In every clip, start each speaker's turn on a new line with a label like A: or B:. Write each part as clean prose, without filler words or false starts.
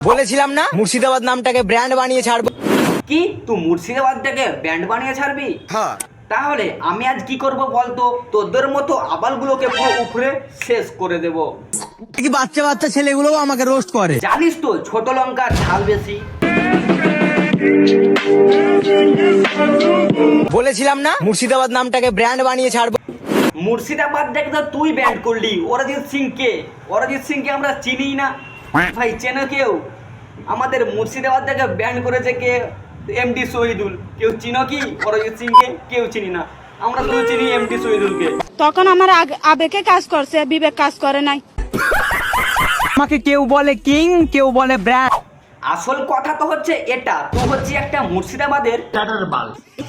A: বলেছিলাম না মুর্শিদাবাদ নামটাকে ব্র্যান্ড বানিয়ে ছাড়বো।
B: কি তুই মুর্শিদাবাদটাকে ব্যান্ড বানিয়ে ছাড়বি?
A: হ্যাঁ,
B: তাহলে আমি আজ কি করব বলতো? তোদের মতো আবালগুলোকে পুরো উপরে শেষ করে দেব।
A: কি বাচ্চা বাচ্চা ছেলেগুলোও আমাকে রোস্ট করে।
B: জানিস তো ছোট লঙ্কার ঝাল বেশি।
A: বলেছিলাম না মুর্শিদাবাদ নামটাকে ব্র্যান্ড বানিয়ে ছাড়বো।
B: মুর্শিদাবাদটাকে তো তুই ব্যান্ড করলি। অরিজিৎ সিংকে, অরিজিৎ সিংকে আমরা চিনি না ভাই, চেনো কেউ? আমাদের মুর্শিদাবাদটাকে ব্যান্ড করেছে কে? এমডি শহীদুল। কেউ চিনো কি অরিজিৎ সিংকে? কেউ চিনি না, আমরা শুধু চিনি এমডি শহীদুলকে।
C: তখন আমার আবেগে কাজ করছে, বিবেক কাজ করে নাই।
A: আমাকে কেউ বলে কিং, কেউ বলে ব্র্যান্ড।
B: আসল কথা তো হচ্ছে এটা, তুই হচ্ছে একটা মুর্শিদাবাদের বাল।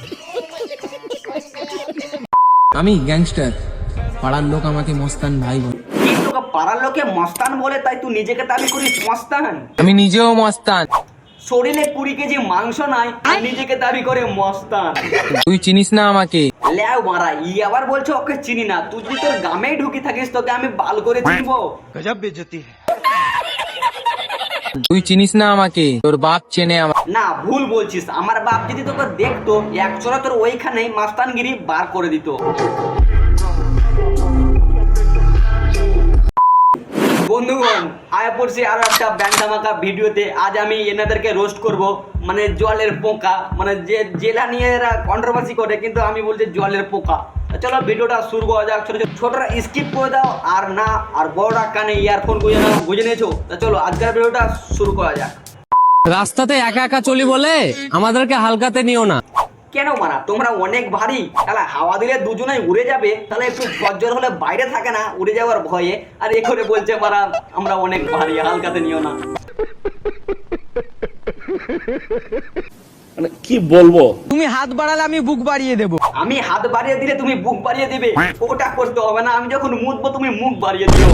D: আমি গ্যাংস্টার, পাড়ার লোক আমাকে মস্তান ভাই বলে।
B: কি তোকে পাড়ার লোকে মস্তান বলে, তাই তুই নিজেকে দাবি করিস মস্তান?
D: আমি নিজেও মস্তান।
B: শরীরে 20 কেজি মাংস নাই আর নিজেকে দাবি করে মস্তান।
D: তুই চিনিস না আমাকে।
B: ল্যাও মারা, আবার বলছো ওকে চিনি না। তুই যদি তোর গ্রামেই ঢুকি থাকিস তোকে আমি বাল করে চিনবো।
D: তুই চিনিস না আমাকে, তোর বাপ চেনে আমাকে।
B: না, ভুল বলছিস। আমার বাপ যদি তোকে দেখতো একচোরা তোর ওইখানেই মাস্তানগিরি বার করে দিত। বন্ধুগণ, আয়া পড়ছি আরো একটা ব্যান্ডামাকা ভিডিওতে। আজ আমি এনাদেরকে রোস্ট করব, মানে জলের পোকা, মানে যে জেলা নিয়ে এরা কন্ট্রোভার্সি করে, কিন্তু আমি বলছি জলের পোকা। চলো ভিডিওটা শুরু করা যাক। ছোটরা স্কিপ করে দাও, আর না আর বড়রা কানে ইয়ারফোন গুঁজে নাও। বুঝে নিয়েছো? চলো আজকের ভিডিওটা শুরু করা যাক।
D: রাস্তাতে একা একা চলি বলে আমাদেরকে হালকাতে নিও না।
B: কেন মারা, তোমরা অনেক ভারী। তাহলে হাওয়া দিলে দুজনেই উড়ে যাবে। তাহলে একটু ঝরঝর হলে বাইরে থাকে না উড়ে যাওয়ার ভয়ে, আর এ করে বলছে মারা আমরা অনেক ভারী, হালকাতে নিও না।
E: মানে কি বলবো?
A: তুমি হাত বাড়ালে আমি বুক বাড়িয়ে দেবো।
B: আমি হাত বাড়িয়ে দিলে তুমি বুক বাড়িয়ে দিবে? ওটা করতে হবে না, আমি যখন মুতবো তুমি মুখ বাড়িয়ে দিও।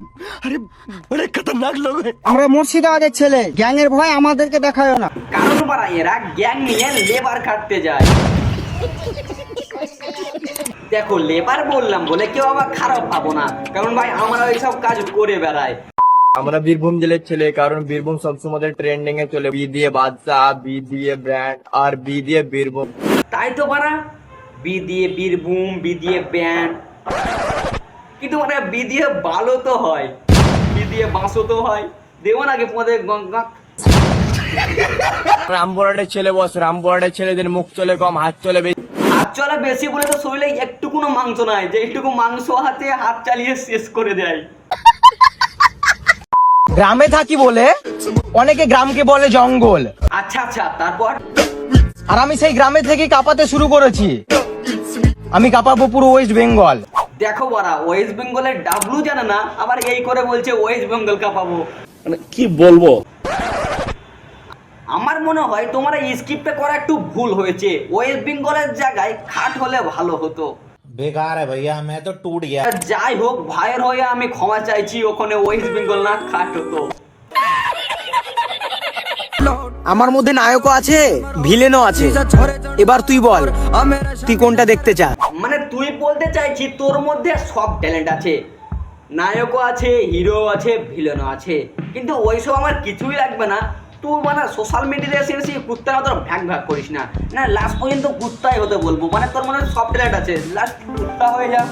A: আমরা মুর্শিদাবাদের ছেলে, গ্যাং এর ভয় আমাদেরকে দেখায় না।
B: কারণ মারা এরা গ্যাং নিয়ে লেবার কাটতে যায়। দেখো লেবার বললাম বলে কেউ আবার খারাপ পাবো না, কারণ ভাই আমরা এইসব কাজ করে বেড়াই।
F: আমরা বীরভূম জেলার ছেলে, কারণ বীরভূম সবসময় ট্রেন্ডিং এ চলে। বি দিয়ে বাদশাহ, বি দিয়ে ব্র্যান্ড, আর বি দিয়ে বীরভূম।
B: তাই তো মারা, বি দিয়ে বীরভূম, বি দিয়ে ব্যান্ড, কিন্তু মানে বি দিয়ে বালও তো হয়, বি দিয়ে বাঁশও তো হয়। দেবো নাকি তোমাদের গঙ্গা?
F: রামপুরহাটের ছেলে বস, রামপুরহাটের ছেলেদের মুখ চলে কম, হাত চলে বেশি।
B: হাত চলা বেশি বলে তো শরীরে একটুকুনো মাংস নাই, যে একটুকু মাংস হাতে হাত চালিয়ে শেষ করে দেয়।
A: গ্রামে থাকি বলে অনেকে গ্রামকে বলে জঙ্গল।
B: আচ্ছা আচ্ছা, তারপর?
A: আর আমি সেই গ্রামে থেকে কাঁপাতে শুরু করেছি। আমি কাঁপাবো পুরো ওয়েস্ট বেঙ্গল।
B: দেখো বারা, ওয়েস্ট বেঙ্গলের ডাবলু জানে না, আবার এই করে বলছে ওয়েস্ট বেঙ্গল কাঁপাবো।
E: মানে কি বলবো?
B: আমার মনে হয় তোমার এই স্কিপটা করা একটু ভুল হয়েছে। ওয়েস্ট বেঙ্গলের জায়গায় খাট হলে ভালো হতো।
G: बेकार है भैया, मैं तो टूट गया।
B: যাই হোক, ভাইয়ের হয়ে আমি ক্ষমা চাইছি, ওখানে ওয়েস্ট বেঙ্গল না খাট হতো।
A: আমার মধ্যে নায়কও আছে, ভিলেনও আছে। এবার তুই বল তুই কোনটা দেখতে চাস?
B: মানে তুই বলতে চাইছি তোর মধ্যে সব ট্যালেন্ট আছে, নায়কও আছে, হিরো আছে, ভিলেনও আছে, কিন্তু ওইসব আমার কিছুই লাগবে না। তুই মানে সোশ্যাল মিডিয়াতে এসে এসে কুত্তার মতো ভ্যাগ ভ্যাগ করিস না। না, লাস্ট পর্যন্ত কুত্তাই হতে বলবো। মানে তোর মনে সব ট্যালেন্ট আছে, লাস্ট কুত্তা হয়ে যা।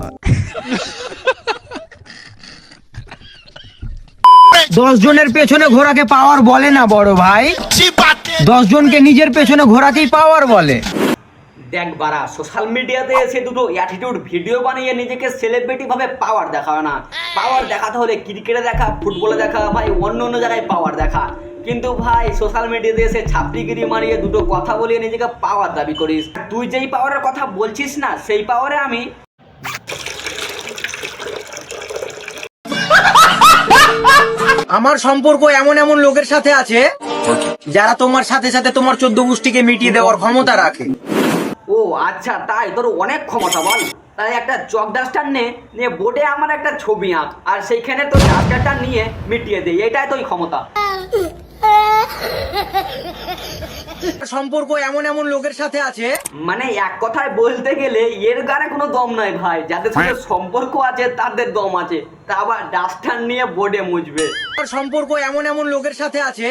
A: 10 জনের পেছনে ঘোড়াকে পাওয়ার বলে না বড় ভাই, 10 জনকে নিজের পেছনে ঘোড়াকেই পাওয়ার বলে।
B: দেখ বারা, সোশ্যাল মিডিয়াতে এসে দুটো অ্যাটিটিউড ভিডিও বানিয়ে নিজেকে সেলিব্রিটি ভাবে পাওয়ার দেখাও না। পাওয়ার দেখাতে হলে ক্রিকেটে দেখা, ফুটবলে দেখা, ভাই অন্য অন্য জায়গায় পাওয়ার দেখা। কিন্তু ভাই সোশ্যাল মিডিয়াতে এসে ছাপড়িগিরি মারিয়ে দুটো কথা বলিয়ে নিজেকে পাওয়ার দাবি করিস। তুই যেই পাওয়ারের কথা বলছিস না, সেই পাওয়ারে আমি
A: আমার সম্পর্ক এমন এমন লোকের সাথে আছে যারা তোমার সাথে সাথে তোমার 14 গোষ্ঠীকে মিটিয়ে দেওয়ার ক্ষমতা রাখে।
B: ও আচ্ছা, তাই তোর অনেক ক্ষমতা বল। তাই একটা চক ডাস্টার নিয়ে বোর্ডে আমার একটা ছবি আঁক, আর সেইখানে তোর ডাস্টারটা নিয়ে মিটিয়ে দে, এটাই তোর ক্ষমতা।
A: সম্পর্ক এমন এমন লোকের সাথে আছে
B: মানে এক কথায় বলতে গেলে এর গানে কোনো দম নাই ভাই, যাদের সাথে সম্পর্ক আছে তাদের দম আছে, তা আবার ডাস্টার নিয়ে বোর্ডে মুছবে।
A: সম্পর্ক এমন এমন লোকের সাথে আছে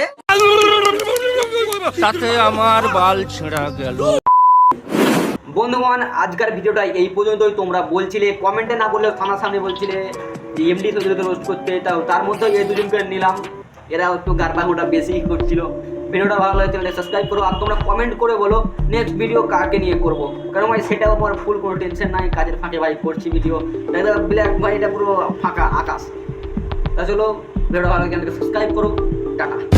B: বন্ধুগণ, আজকের ভিডিওটা এই পর্যন্তই। তোমরা বলছিলে কমেন্টে না বললেও সামনাসামনি বলছিলে যে এমডি তোদেরকে রোস্ট করতে, তার মধ্যে এই দুজনকে নিলাম, এরা একটু গারবাঙ্গটা বেশি করছিল। ভিডিওটা ভালো লাগে চ্যানেলটা সাবস্ক্রাইব করো, আর তোমরা কমেন্ট করে বলো নেক্সট ভিডিও কাকে নিয়ে করবো, কারণ ভাই সেটাও আমার ফুল কোনো টেনশন নাই, কাজের ফাঁকে ভাই করছি ভিডিও, ব্ল্যাক ভাই এটা পুরো ফাঁকা আকাশ। তা চলো, ভিডিওটা ভালো লাগে চ্যানেলকে সাবস্ক্রাইব করো, টাটা।